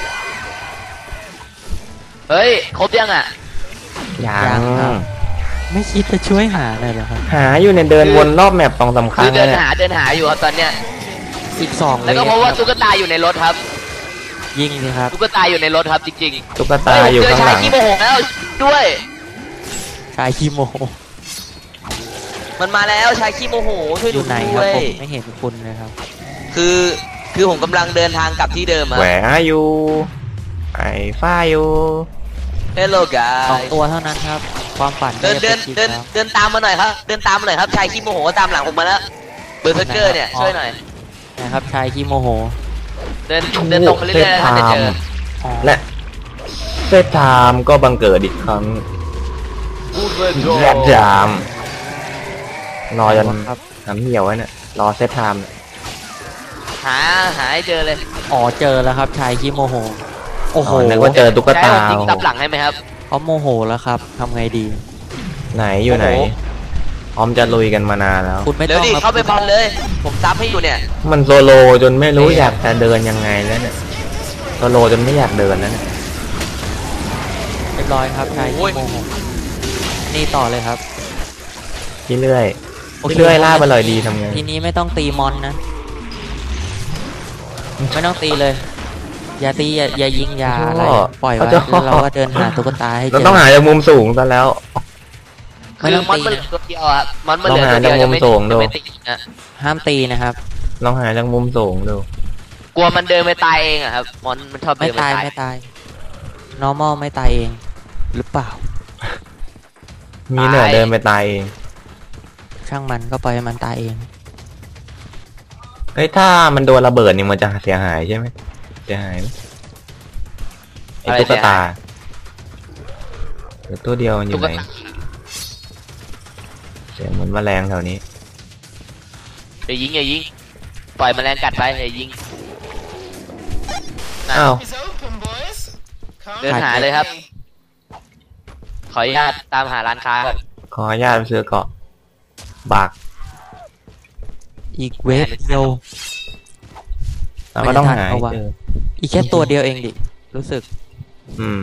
[SPEAKER 3] เฮ้ยครบยังอ่ะ
[SPEAKER 2] ยัง
[SPEAKER 1] ไม่คิดจะช่วยหาเลยเหรอครับ
[SPEAKER 2] หาอยู่เนี่ยเดินวนรอบแมป2-3 ค
[SPEAKER 3] คื
[SPEAKER 2] รั้
[SPEAKER 3] อง เดิ
[SPEAKER 2] แล้ว
[SPEAKER 3] น
[SPEAKER 2] เนี่ย
[SPEAKER 3] หาอยู่ครับตอนเนี้ย
[SPEAKER 1] 12
[SPEAKER 3] แล้วก็เพราะว่าตุ๊กตาอยู่ในรถครับ
[SPEAKER 1] ยิงสิครับ
[SPEAKER 3] ตุ๊กตาอยู่ในรถครับจริง
[SPEAKER 2] ตุ๊ก
[SPEAKER 3] ๆ
[SPEAKER 2] ตาอยู่
[SPEAKER 3] เจอ
[SPEAKER 2] ข้าง
[SPEAKER 3] ชา
[SPEAKER 2] ห
[SPEAKER 3] ย
[SPEAKER 2] ลัง
[SPEAKER 3] ขี้โมโหแล้วด้วย
[SPEAKER 1] ชายคีโม
[SPEAKER 3] มันมาแล้วชายขี้โมโหช่วย
[SPEAKER 1] อ
[SPEAKER 3] ดู
[SPEAKER 1] ยู่ไหนค
[SPEAKER 3] ด้
[SPEAKER 1] รับ
[SPEAKER 3] วย
[SPEAKER 1] ผมไม่เห็นคุณเลยครับ
[SPEAKER 3] คือผมกำลังเดินทางกลับที่เดิมอะ
[SPEAKER 2] แหวอยู่ไอ้ฝ้าอยู่
[SPEAKER 3] Hello
[SPEAKER 1] 2
[SPEAKER 3] guys
[SPEAKER 1] ตัวเท่านั้นครับ ความฝัน
[SPEAKER 3] เดิน
[SPEAKER 1] ไม่ไป็จริงแล้ว
[SPEAKER 3] เดินตามมาหน่อยครับ เดินตามมาหน่อยครับชายขี้โมโหตามหลังผมมาแล้วเบอร์เซอร์เกอร์เนี่ยช่วยหน่อย
[SPEAKER 1] นะครับชายคีโมโห
[SPEAKER 3] เดินตรงไปเรื่อยๆนะครับจะเจอ
[SPEAKER 1] อ๋อ
[SPEAKER 2] และเซตไทม์ก็บังเกิดอีกครั้งแยกจามรอจน
[SPEAKER 1] ครับ
[SPEAKER 2] น้ำเหี่ยวไว้เนี่ยรอเซตไทม์เนี่ย
[SPEAKER 3] หาให้เจอเลย
[SPEAKER 1] อ๋อเจอแล้วครับชายขี้โมโห โอ้โห
[SPEAKER 2] นึกว่าเจอตุ๊ก
[SPEAKER 3] จะให้
[SPEAKER 2] ตา
[SPEAKER 3] ผมยิงซับหลังให้ไหมครับ
[SPEAKER 1] เขาโมโหแล้วครับทำไงดี
[SPEAKER 2] ไหนอยู่ไหน
[SPEAKER 3] โอ้โห
[SPEAKER 2] พร้อมจะลุยกันมานานแล้ว
[SPEAKER 1] คุณไม่
[SPEAKER 3] เดี๋ย
[SPEAKER 1] ต้
[SPEAKER 3] ว
[SPEAKER 1] อง
[SPEAKER 3] ดิ
[SPEAKER 1] ครับ
[SPEAKER 3] เข้าไปบอลเลย ผมซับให้อยู่เนี่ย
[SPEAKER 2] มันโซโลจนไม่รู้อยากจะเดินยังไงแล้วเนี่ยโซโลจนไม่อยากเดินแล้วเนี่ย
[SPEAKER 1] เรียบร้อยครับชายขี้โมโหนี่ต่อเลยครับ
[SPEAKER 2] พี่เรื่อย
[SPEAKER 1] โอเค
[SPEAKER 2] พี่เรื่อยล่าไปเลยดีทำไง
[SPEAKER 1] ทีนี้ไม่ต้องตีมอนนะ ไม่ต้องตีเลย อย่าตีอย่ายิงอย่าอะไรปล่อยไว้แล้วเราก็เดินหาตุ๊กตาให้เจ
[SPEAKER 2] เรา
[SPEAKER 1] อ
[SPEAKER 2] ต้องหาจากมุมสูงซะแล้ว
[SPEAKER 1] ไม่
[SPEAKER 3] คือ
[SPEAKER 1] ต้อง
[SPEAKER 3] มอน
[SPEAKER 1] ตี
[SPEAKER 3] มันเหลื
[SPEAKER 1] นะ
[SPEAKER 3] อตัวเดียวอะมอนมันเหลือ
[SPEAKER 2] ลองหา
[SPEAKER 3] ตัวเดียว
[SPEAKER 2] จากมุมสูงดู
[SPEAKER 3] ไม่ติดนะ
[SPEAKER 1] ห้ามตีนะครับ
[SPEAKER 2] ลองหาจากมุมสูงดู
[SPEAKER 3] กลัวมันเดินไปตายเองอะครับมอนมันชอบ
[SPEAKER 1] ไม่
[SPEAKER 3] เดินไป
[SPEAKER 1] ตาย
[SPEAKER 3] ตาย
[SPEAKER 1] ไม่ตาย normal ไม่ตายเอง หรือเปล่า
[SPEAKER 2] มีเหนือเดินไปตายเอง
[SPEAKER 1] ช่างมันก็ปล่อยให้มันตายเอง
[SPEAKER 2] เฮ้ยถ้ามันโดนระเบิดนี่มันจะเสียหายใช่ไหมเสียหายไหมไอ้ตุ๊กตาเหลือตัวเดียวมันอยู่
[SPEAKER 3] ตุ๊ก
[SPEAKER 2] ไหน
[SPEAKER 3] ตา
[SPEAKER 2] เสียงเหมือนแมลงแถวนี้
[SPEAKER 3] อย่ายิงปล่อยแมลงกัดไปอย่ายิง
[SPEAKER 2] อ้าว
[SPEAKER 4] It's open, boys. Come
[SPEAKER 3] เดินหาเลยครับ ขออนุญาตตามหาร้านค้าก่อน
[SPEAKER 2] ขออนุญาตไปซื้อเกาะบาก
[SPEAKER 1] อีกเวฟเดียว
[SPEAKER 2] เราก็ต้องหาให้
[SPEAKER 1] ไม่ได้ทันเอาวะ
[SPEAKER 2] เจอ
[SPEAKER 1] อีกแค่ตัวเดียวเองดิ รู้สึก
[SPEAKER 2] อืม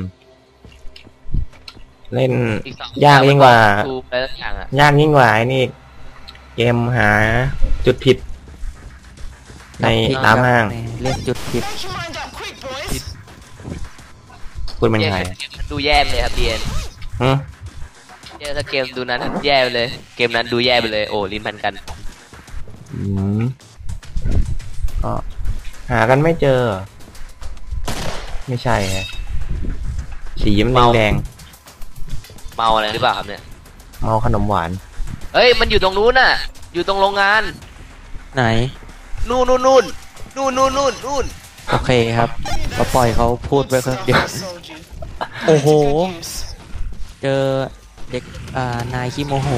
[SPEAKER 2] เล่น
[SPEAKER 3] อีกสอง
[SPEAKER 2] ยากยิ่งกว่า
[SPEAKER 3] ทูอะไรสักอย่างอะ
[SPEAKER 2] ยากยิ่งกว่าไอ้นี่เกมหาจุดผิด ในร้านห้าง
[SPEAKER 1] เรียกจุดผิด
[SPEAKER 4] Make your mind up quick, boys.
[SPEAKER 2] พูดเป็นไง
[SPEAKER 3] มันดูแย่ไปเลยครับเดียน
[SPEAKER 2] ฮึ
[SPEAKER 3] ถ้าเกมดูนั้นแย่ไปเลย เกมนั้นดูแย่ไปเลยโอ้ลิ้นพันกัน
[SPEAKER 2] อืมก็หากันไม่เจอ ไม่ใช่ฮะสีมันแดง
[SPEAKER 3] เมาอะไรหรือเปล่าครับเนี่ย
[SPEAKER 2] ๆเมาขนมหวาน
[SPEAKER 3] เฮ้ยมันอยู่ตรงนู้นน่ะ อยู่ตรงโรงงาน
[SPEAKER 1] ไหน
[SPEAKER 3] นู่น
[SPEAKER 1] โอเคครับก็ปล่อยเขาพูดไปคนเดียว
[SPEAKER 4] Told you.
[SPEAKER 1] โอ้โห
[SPEAKER 4] Fake news.
[SPEAKER 1] เจอเด็กนายขี้โมโห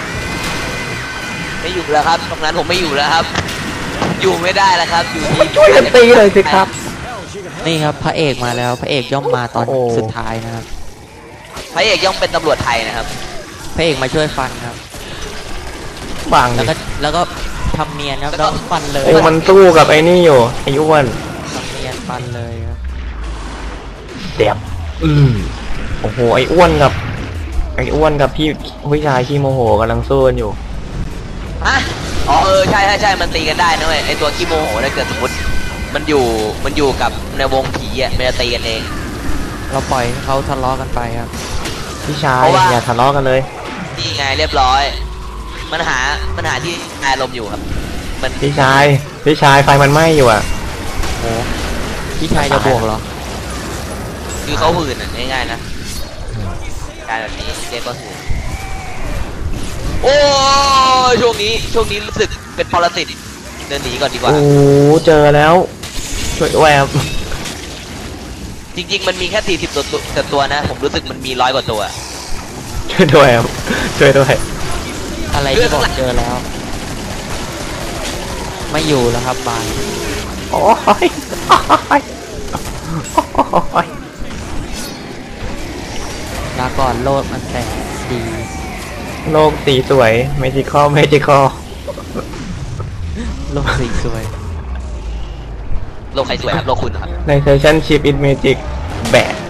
[SPEAKER 3] ไม่อยู่แล้วครับ ตรงนั้นผมไม่อยู่แล้วครับ อยู่ไม่ได้แล้วครับ อยู่ที่
[SPEAKER 2] ช่วยกันตีเลยสิครับ
[SPEAKER 1] นี่ครับพระเอกมาแล้ว พระเอกย่อมมาตอน
[SPEAKER 2] โอ้
[SPEAKER 1] สุดท้ายนะครับ
[SPEAKER 3] พระเอกย่อมเป็นตำรวจไทยนะครับ
[SPEAKER 1] พระเอกมาช่วยฟันครับ
[SPEAKER 2] บาง
[SPEAKER 1] แล้ว
[SPEAKER 2] ดิ
[SPEAKER 1] ก็ทำเนียนครับแล้วฟันเลย
[SPEAKER 2] โอ้มันสู้กับไอ้นี่อยู่ไอ้อ้วน
[SPEAKER 1] ทำเนียนฟันเลยครับ
[SPEAKER 2] เด็บโอ้โหไอ้อ้วนกับพี่ผู้ชายขี้โมโหกำลังสู้กันอยู่
[SPEAKER 3] ฮะ อ๋อใช่มันตีกันได้นะเว้ยไอตัวขี้โมโหถ้าเกิดสมมติ มันอยู่กับในวงผีอ่ะมันจะตีกันเอง
[SPEAKER 1] เราปล่อยให้เขาทะเลาะกันไปครับ
[SPEAKER 2] พี่ชาย
[SPEAKER 3] เพราะว่า
[SPEAKER 2] อย่าทะเลาะกันเลย
[SPEAKER 3] นี่ไงเรียบร้อย มันหาที่อารมณ์อยู่ครับ มัน
[SPEAKER 2] พี่ชายไฟมันไหม้อยู่อ่ะ
[SPEAKER 1] โอ้พี่ชายจะบวกเหรอ
[SPEAKER 3] คือเขาหื่นอ่ะง่ายๆนะ การแบบนี้เรียกว่าหื่นโอ้ยช่วงนี้รู้สึกเป็นปรสิตเดินหนีก่อนดีกว่า
[SPEAKER 2] โอ้เจอแล้ว ช่วยแวบ
[SPEAKER 3] จริงๆมันมีแค่40ตัวนะ ผมรู้สึกมันมี100 กว่าตัว
[SPEAKER 2] ช่วยด้วยครับช่วยด้วย
[SPEAKER 1] อะไรที่บอกเจอแล้ว ไม่อยู่แล้วครับบาน
[SPEAKER 2] โอ้ยโอ้ย
[SPEAKER 1] ลาก่อนโลดมันแสนดี
[SPEAKER 2] โลกสีสวยเมจิคอล
[SPEAKER 1] โลกสีสวย
[SPEAKER 3] โลกใครสวยครับ โลกคุณครับ
[SPEAKER 2] ในเซสชั่นชิปอินเมจิกแบะ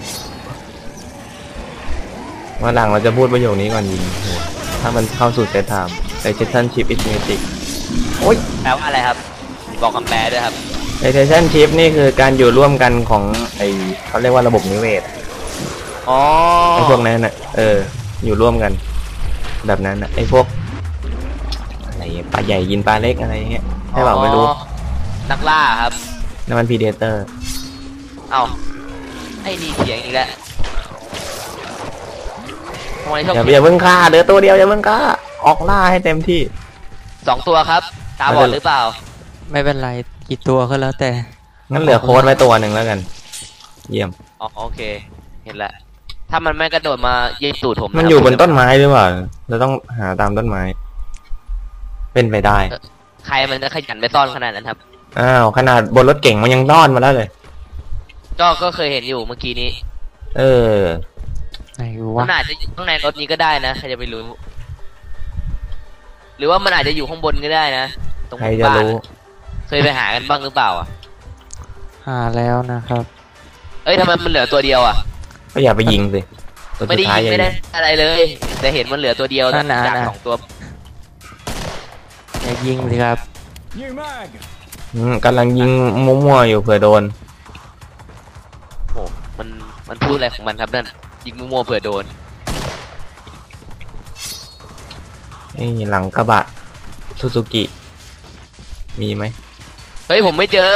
[SPEAKER 2] วันหลังเราจะพูดประโยคนี้ก่อนยิงถ้ามันเข้าสู่เซตไทม์ในเซสชั่นชิปอินเมจิกโอ้ย
[SPEAKER 3] แปลว่าอะไรครับ บอกคำแปลด้วยครับ
[SPEAKER 2] ในเซสชั่นชิปนี่คือการอยู่ร่วมกันของไอเขาเรียกว่าระบบนิเวศ
[SPEAKER 3] อ๋อ
[SPEAKER 2] ไอพวกนั้นน่ะอยู่ร่วมกัน แบบนั้นน่ะไอพวกอะไรปลาใหญ่ยินปลาเล็กอะไรเงี้ยให้เปล่าไม่รู้
[SPEAKER 3] นักล่าครับ
[SPEAKER 2] นั่นมันพีเดเตอร์
[SPEAKER 3] เอ้าไอ้นี่เถียงอีกแล้วทำไมชอบ
[SPEAKER 2] อย่าเพิ่งฆ่าเดือตัวเดียวอย่าเพิ่งฆ่าออกล่าให้เต็มที่
[SPEAKER 3] 2 ตัวครับ ตาบอดหรือเปล่า
[SPEAKER 1] ไม่เป็นไรกี่ตัวก็แล้วแต่
[SPEAKER 2] งั้นเหลือโค้ดไว้ตัวหนึ่งแล้วกัน เยี่ยม
[SPEAKER 3] อ๋อโอเค เห็นแล้วถ้ามันไม่กระโดดมายิงตูดผม
[SPEAKER 2] มันอยู่บนต้นไม้หรือเปล่าเราต้องหาตามต้นไม้ เป็นไปได้
[SPEAKER 3] ใครมันจะขยันไปซ่อนขนาดนั้นครับ
[SPEAKER 2] อ้าวขนาดบนรถเก่งมันยังต้อนมาแล้วเลย
[SPEAKER 3] ก็เคยเห็นอยู่เมื่อกี้นี้
[SPEAKER 2] เออ
[SPEAKER 1] ไหน
[SPEAKER 3] มั
[SPEAKER 1] วะ
[SPEAKER 3] นอาจจะอยู่ข้างในรถนี้ก็ได้นะใครจะไปรู้ หรือว่ามันอาจจะอยู่ข้างบนก็ได้นะตรง
[SPEAKER 2] ใครจะ
[SPEAKER 3] บ้าน
[SPEAKER 2] รู้
[SPEAKER 3] เคยไปหากันบ้างหรือเปล่าอ่ะ
[SPEAKER 1] หาแล้วนะครับ
[SPEAKER 3] เอ้ยทำไมมันเหลือตัวเดียวอ่ะ
[SPEAKER 2] ก็อย่าไปยิงสิตัว
[SPEAKER 3] ไม่
[SPEAKER 2] สุ
[SPEAKER 3] ได้
[SPEAKER 2] ดท้าย
[SPEAKER 3] ยิง
[SPEAKER 2] อย่า
[SPEAKER 3] ไม่ได้
[SPEAKER 2] ยิง
[SPEAKER 3] อะไรเลย แต่เห็นมันเหลือตัวเดียว
[SPEAKER 1] นั่นน่ะ
[SPEAKER 3] จาก
[SPEAKER 1] น่ะ
[SPEAKER 3] 2 ตัว
[SPEAKER 1] อย่ายิงสิครับ
[SPEAKER 2] กำลังยิงมั่วๆอยู่เผื่อโดน
[SPEAKER 3] โอ้มันพูดอะไรของมันครับนั่นยิงมั่วๆเผื่อโดน
[SPEAKER 2] นี่หลังกระบะซูซูกิมีไหม
[SPEAKER 3] เฮ้ยผมไม่เจอ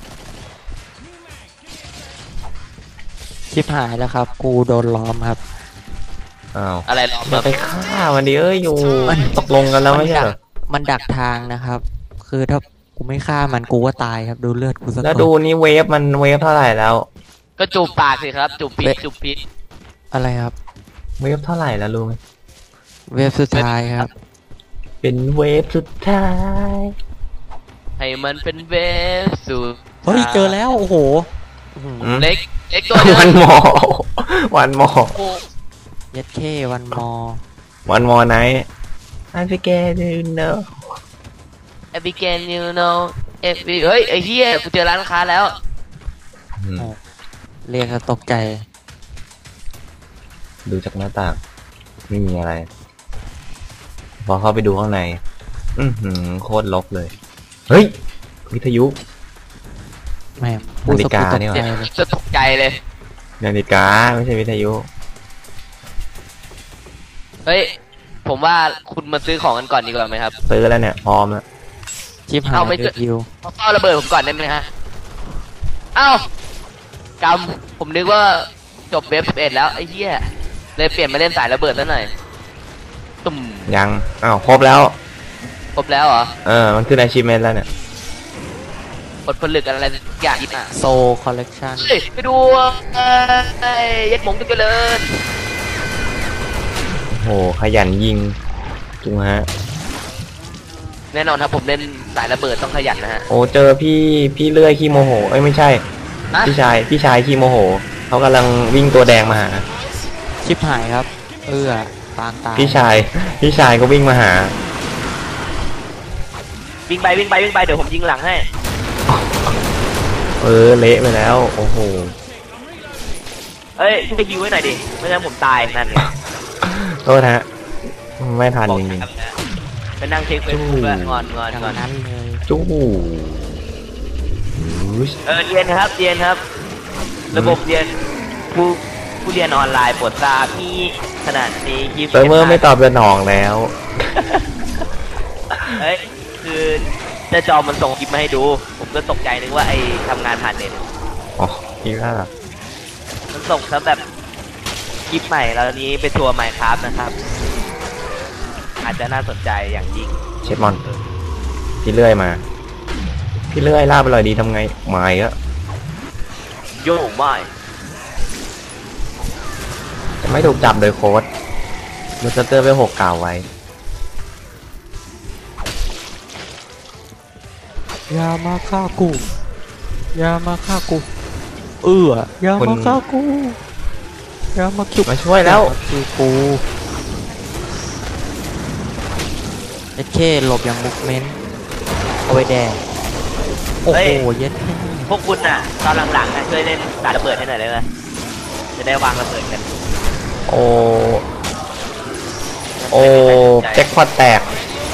[SPEAKER 1] ชิบหายแล้วครับ กูโดนล้อมครับ
[SPEAKER 2] อ้าว
[SPEAKER 3] อะไรหรอ
[SPEAKER 2] อย่าไปฆ่ามันดิอยู่
[SPEAKER 1] มัน
[SPEAKER 2] ตกลงกันแล้วไม่ใช่เหรอ
[SPEAKER 1] มันดักทางนะครับ คือถ้ากูไม่ฆ่ามันกูก็ตายครับ ดูเลือดกูสัก
[SPEAKER 2] แล้ว
[SPEAKER 1] คน
[SPEAKER 2] ดูนี่เวฟมันเวฟเท่าไหร่แล้ว
[SPEAKER 3] ก็จูบปากสิครับจูบพิษจูบพิษ
[SPEAKER 1] อะไรครับ
[SPEAKER 2] เวฟเท่าไหร่แล้วรู้ไหม
[SPEAKER 1] เวฟสุดท้ายครับ
[SPEAKER 2] เป็นเวฟสุดท้าย
[SPEAKER 3] ให้มันเป็นเวฟสูด
[SPEAKER 1] เฮ้ยเจอแล้วโอ้โหอื้อหือ
[SPEAKER 3] เล็กตัวเดียว
[SPEAKER 2] วันมอวันมอ
[SPEAKER 3] โอ้
[SPEAKER 1] เย็ดเควันมอ
[SPEAKER 2] วันมอไหนI forget you know
[SPEAKER 3] เอพิเกนยูโนเฮ้ยไอ้เหี้ยกูเจอร้านค้าแล้ว
[SPEAKER 1] เรียกก็ตกใจ
[SPEAKER 2] ดูจากหน้าต่างไม่มีอะไร พอเข้าไปดูข้างในโคตรลกเลย เฮ้ย วิทยุ
[SPEAKER 1] แม่งพูดสะ
[SPEAKER 2] นาฬิกา
[SPEAKER 1] พูดตก
[SPEAKER 2] นี่หว่า
[SPEAKER 1] ใจเลย
[SPEAKER 3] จะตกใจเลย
[SPEAKER 2] นาฬิกาไม่ใช่วิทยุ
[SPEAKER 3] เฮ้ยผมว่าคุณมาซื้อของกันก่อนดีกว่าไหมครับ
[SPEAKER 2] ซื้อแล้วเนี่ย พร้อมแล้ว
[SPEAKER 1] ชิบหาย
[SPEAKER 3] เอาไม่เจอ
[SPEAKER 1] คิว
[SPEAKER 3] เขาเฝ้าระเบิดผมก่อนได้ไหมฮะเอ้ากำผมนึกว่าจบเว็บ11แล้วไอ้เหี้ยเลยเปลี่ยนมาเล่นสายระเบิดแล้วหน่อยตุ่ม
[SPEAKER 2] ยัง อ้าว ครบแล้ว
[SPEAKER 3] ครบแล้วเหรอ
[SPEAKER 2] มันขึ้น achievement แล้วเนี่ย
[SPEAKER 3] ผลผลึกอะไรอย่างอีกอ่ะ
[SPEAKER 1] โซคอลเลกชัน
[SPEAKER 3] เฮ้ยไปดูเย็ดหมงตุกเจริญ
[SPEAKER 2] โอ้โห ขยันยิงจุงฮะ
[SPEAKER 3] แน่นอนครับผมเล่นสายระเบิดต้องขยันนะฮะ
[SPEAKER 2] โอ้ เจอพี่เลื่อยขี้โมโห เอ้ย ไม่ใช่
[SPEAKER 3] ฮะ
[SPEAKER 2] พี่ชายขี้โมโห เขากำลังวิ่งตัวแดงมาหา
[SPEAKER 1] ชิบหายครับ ปางตาย
[SPEAKER 2] พี่ชายก็วิ่งมาหา
[SPEAKER 3] วิ่งไปเดี๋ยวผมยิงหลังให้
[SPEAKER 2] เละไปแล้ว โอ้โห
[SPEAKER 3] เอ้ยช่วยฮิวไว้หน่อยดิไม่งั้นผมตายนั่นไง
[SPEAKER 2] โทษฮะ ไม่ทัน
[SPEAKER 3] บอก
[SPEAKER 2] จริง
[SPEAKER 3] นะครับนะไปนั่งเช็คเฟซบุ๊กแล้วงอน
[SPEAKER 1] อย่างนั้นเลย
[SPEAKER 2] ๆจู้
[SPEAKER 3] เรียนครับ ระบบเรียนผู้เรียนออนไลน์โปรดทราบที่ขนาดนี้คลิป
[SPEAKER 2] เซิร์ฟเวอร์ไม่ตอบสนองแล้ว
[SPEAKER 3] เฮ้ยคือเจะจอมันส่งคลิปมาให้ดู ผมก็ตกใจนึกว่าไอ้ทำงานผ่านเน็ต
[SPEAKER 2] อ๋อคิดว่า
[SPEAKER 3] มันส่งซะแบบคลิปใหม่แล้วนี้ไปทัวร์ไมค์ครับนะครับ อาจจะน่าสนใจอย่างยิ่ง
[SPEAKER 2] เชฟมอน พี่เลื่อยมา พี่เลื่อยลาบอร่อยดีทำไงไม่อะ
[SPEAKER 3] โย่ไม่
[SPEAKER 2] จะไม่ถูกจับโดยโค้ดมูสเตอร์ไป6กล่าวไว้
[SPEAKER 1] อย่ามาฆ่ากูอย่ามาฆ่ากูอย่ามาฆ่ากูอย่ามาคิว
[SPEAKER 2] มาช่วยแล้ว
[SPEAKER 1] คือกูเย็ดเคหลบอย่างมุกเมนต์เอาไว้แดงโอ้โหเย็ดเค
[SPEAKER 3] พวกคุณน่ะตอนหลังๆนะช่วยเล่นสายระเบิดให้หน่อยได้ไหมจะได้วางระเบิดกัน
[SPEAKER 2] โอ้แจ็คพอตแตก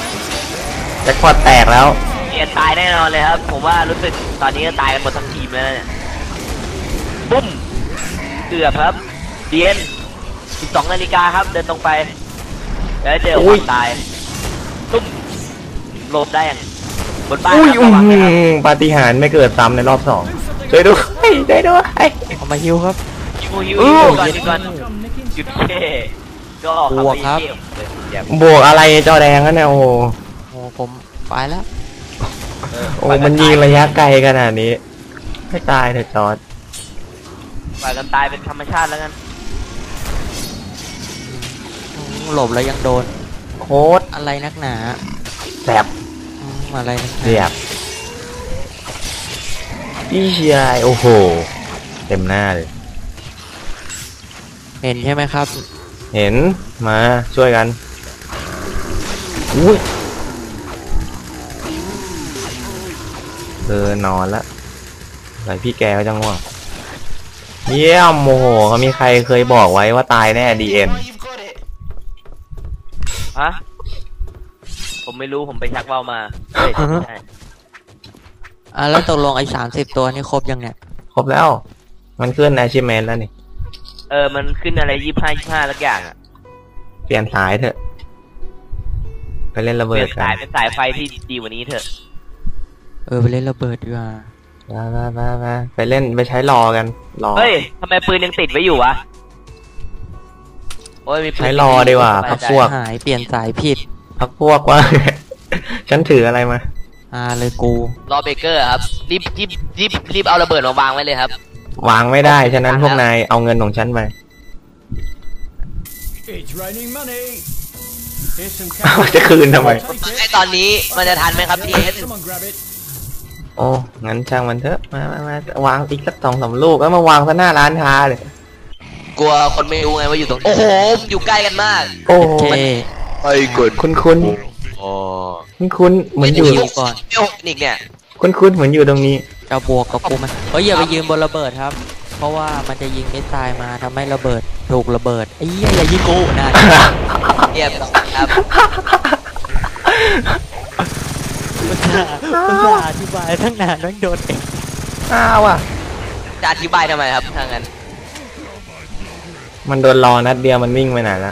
[SPEAKER 2] แล้ว
[SPEAKER 3] เรียนตายแน่นอนเลยครับ ผมว่ารู้สึกตอนนี้ก็ตายกันหมดทั้งทีมแล้วเนี่ยปุ้มเกือบครับเรียน12 นาฬิกาครับเดินตรงไปแล้วเจอความตายตุ้มหลบได้อย่างบนบ้านครับระวังนะครับ
[SPEAKER 2] ปาฏิหาริย์ไม่เกิดซ้ำในรอบ2ช่วยด้วยได้ด้วย
[SPEAKER 1] เอามาฮิวครับ
[SPEAKER 3] ฮิวก่อนหยุดเท่ก็ออก
[SPEAKER 1] บวกครับ
[SPEAKER 2] บวกอะไรจอแดงกันเนี่ยโอ้โห
[SPEAKER 1] โอ้ผมไปแล้ว
[SPEAKER 2] โอ้มันยิงระยะไกลขนาดนี้ให้ตายเถอะจอร์ด
[SPEAKER 3] ปล่อยกันตายเป็นธรรมชาติแล้วกัน
[SPEAKER 1] หลบแล้วยังโดน
[SPEAKER 2] โคตร
[SPEAKER 1] อะไรนักหนา
[SPEAKER 2] แสบ
[SPEAKER 1] อะไรนักหนา
[SPEAKER 2] เรียบพี่ชายโอ้โห เต็มหน้าเลย
[SPEAKER 1] เห็นใช่ไหมครับ
[SPEAKER 2] เห็นมาช่วยกันอุ้ยนอนละไหนพี่แกก็จะง่วงเยี่ยมโมโหเขามีใครเคยบอกไว้ว่าตายแน่ดีเอ็น
[SPEAKER 4] Now you've got it.
[SPEAKER 3] ฮะผมไม่รู้ผมไปชักเบ้ามาเฮ้ยไม่ใช่
[SPEAKER 1] แล้วตกลงไอ้30 ตัวนี่ครบยังเนี่ย
[SPEAKER 2] ครบแล้ว มันขึ้น achievement แล้วนี่
[SPEAKER 3] มันขึ้นอะไร25สักอย่างอ่ะ
[SPEAKER 2] เปลี่ยนสายเถอะ ไปเล่นระ
[SPEAKER 3] เป
[SPEAKER 2] เบิ
[SPEAKER 3] ลี่ย
[SPEAKER 2] ด
[SPEAKER 3] น
[SPEAKER 2] กั
[SPEAKER 3] สาย
[SPEAKER 2] น
[SPEAKER 3] เป็นสายไฟที่ดีกว่านี้เถอะ
[SPEAKER 1] ไปเล่นระเบิดดีกว่า
[SPEAKER 2] มาไปเล่นไปใช้รอกันรอ
[SPEAKER 3] เฮ้ยทำไมปืนยังติดไว้อยู่วะโอ้ยมีปืน
[SPEAKER 2] ใช้รอดีกว่าพักพวก
[SPEAKER 1] หายเปลี่ยนสายผิด
[SPEAKER 2] พักพวกว่า ฉันถืออะไรมา
[SPEAKER 1] เลยกู
[SPEAKER 3] รอเบเกอร์ครับรีบเอาระเบิดมาวางไว้เลยครับ
[SPEAKER 2] วางไม่ได้ ฉะนั้นพวกนายเอาเงินของฉันไป
[SPEAKER 5] It's raining money. Here's some
[SPEAKER 2] จะคืนทำไม
[SPEAKER 3] ไอตอนนี้มันจะทันไหมครับพี่เอส
[SPEAKER 5] Come on, grab it.
[SPEAKER 2] โอ้ งั้นช่างมันเถอะ มาวางอีกสัก2-3 ลูกแล้วมาวางซะหน้าร้านค้าเลย
[SPEAKER 3] กลัวคนไม่รู้ไงว่าอยู่ตรงโอ้โหอยู่ใกล้กันมาก
[SPEAKER 2] โอ้
[SPEAKER 1] โอเค
[SPEAKER 3] ไอ้กด
[SPEAKER 2] คุ้น
[SPEAKER 3] อ๋อ
[SPEAKER 2] เหมือนอยู่
[SPEAKER 1] ก่อน
[SPEAKER 3] เดี๋ยวอีกเนี่ย
[SPEAKER 2] คุ้นเหมือนอยู่ตรงนี้
[SPEAKER 1] จะบวกกับกูมันอย่าไปยืนบนระเบิดครับ เพราะว่ามันจะยิงมิสไซล์มาทำให้ระเบิดถูกระเบิดไอ้เหี้ยอย่ายิงกูนะ
[SPEAKER 3] เรียบร้อยครับ
[SPEAKER 1] มันจะอธิบายตั้งนานต้องโดนเอง
[SPEAKER 2] อ้าวอ่ะ
[SPEAKER 3] จะอธิบายทำไมครับถ้างั้น
[SPEAKER 2] มันโดนรอนัดเดียวมันวิ่งไปไหนละ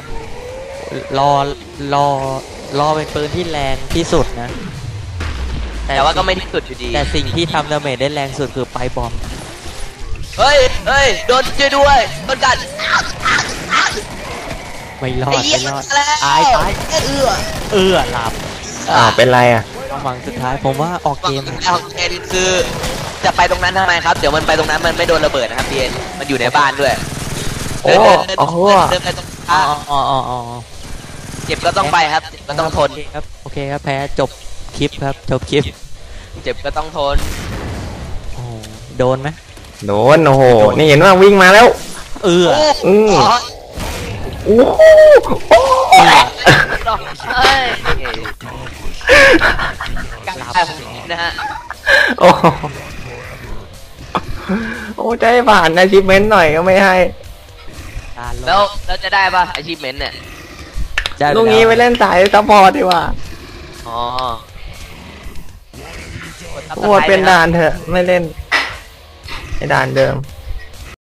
[SPEAKER 1] รอเป็นปืนที่แรงที่สุดนะ
[SPEAKER 3] แต่ว่าก็ไม่ที่สุดอยู่ดี
[SPEAKER 1] แต่สิ่งที่ทำดาเมจได้แรงสุดคือไปบอม
[SPEAKER 3] เฮ้ยโดนช่วยด้วยโดนกัด
[SPEAKER 1] ไม่รอ
[SPEAKER 3] ไอ้
[SPEAKER 1] ด
[SPEAKER 3] เหี้ย
[SPEAKER 1] ไม่รอด
[SPEAKER 3] แล้ว
[SPEAKER 1] ตาย หลับ
[SPEAKER 2] อ้าวเป็นไรอ่ะ
[SPEAKER 1] ความหวังสุดท้ายผมว่าออก
[SPEAKER 3] ฝั่
[SPEAKER 1] เก
[SPEAKER 3] ง
[SPEAKER 1] ม
[SPEAKER 3] ของเอ็นคือจะไปตรงนั้นทำไมครับเดี๋ยวมันไปตรงนั้นมันไม่โดนระเบิดนะครับพี่เอ็นมันอยู่ในบ้านด้วย
[SPEAKER 2] โอ้โอ้โห
[SPEAKER 3] เดินไปตรง
[SPEAKER 1] อ๋
[SPEAKER 3] ข้าม
[SPEAKER 1] อ
[SPEAKER 3] เจ็บก็ต้องไปครับเจ็บก็ต้องทน
[SPEAKER 1] โอเคครับแพ้จบคลิปครับจบคลิป
[SPEAKER 3] เจ็บก็ต้องทน
[SPEAKER 1] โอ้โหโดนไหม
[SPEAKER 2] โดนโอ้โห นี่เห็นว่าวิ่งมาแล้ว
[SPEAKER 1] เออ
[SPEAKER 2] อืม
[SPEAKER 3] อ๋อ
[SPEAKER 2] โอ้โหโอ้โห
[SPEAKER 3] เฮ้ยการตายของนะฮะ
[SPEAKER 2] โอ้โหโอ้ใจผ่านอาชีพเมนหน่อยก็ไม่ให้
[SPEAKER 3] แล้วจะได้ป่ะ achievement เนี่ย
[SPEAKER 2] ลูกนี้ไปเล่นสายซัพพอร์ตดีกว่า
[SPEAKER 3] อ๋อ
[SPEAKER 2] โอ้เป็นด่านเถอะ ไม่เล่นไอ้ด่านเดิม